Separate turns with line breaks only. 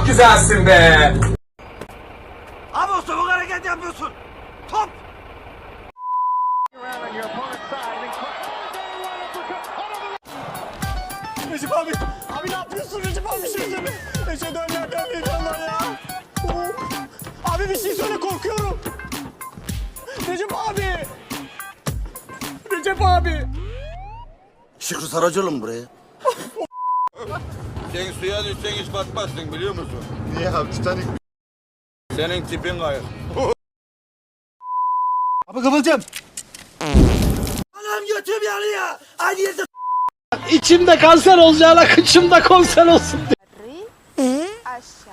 güzelsin be.
Abi o sabuk hareket yapıyorsun. Top.
Recep abi. Abi ne yapıyorsun Recep abi? Bir şey söyle. Eşhedü en la ilahe illallah ya. Abi bir şey söyle, korkuyorum. Recep abi. Recep abi.
Şükrü Saracoğlu mu buraya?
Sen suya düşsen hiç batmazsın biliyor musun?
Niye abi Titanic?
Senin tipin kayık.
Abi Kıvılcım. Anam götüm yanıyor. Aynı yerde
İçimde kanser olacağına kıçımda konser olsun.
Aşk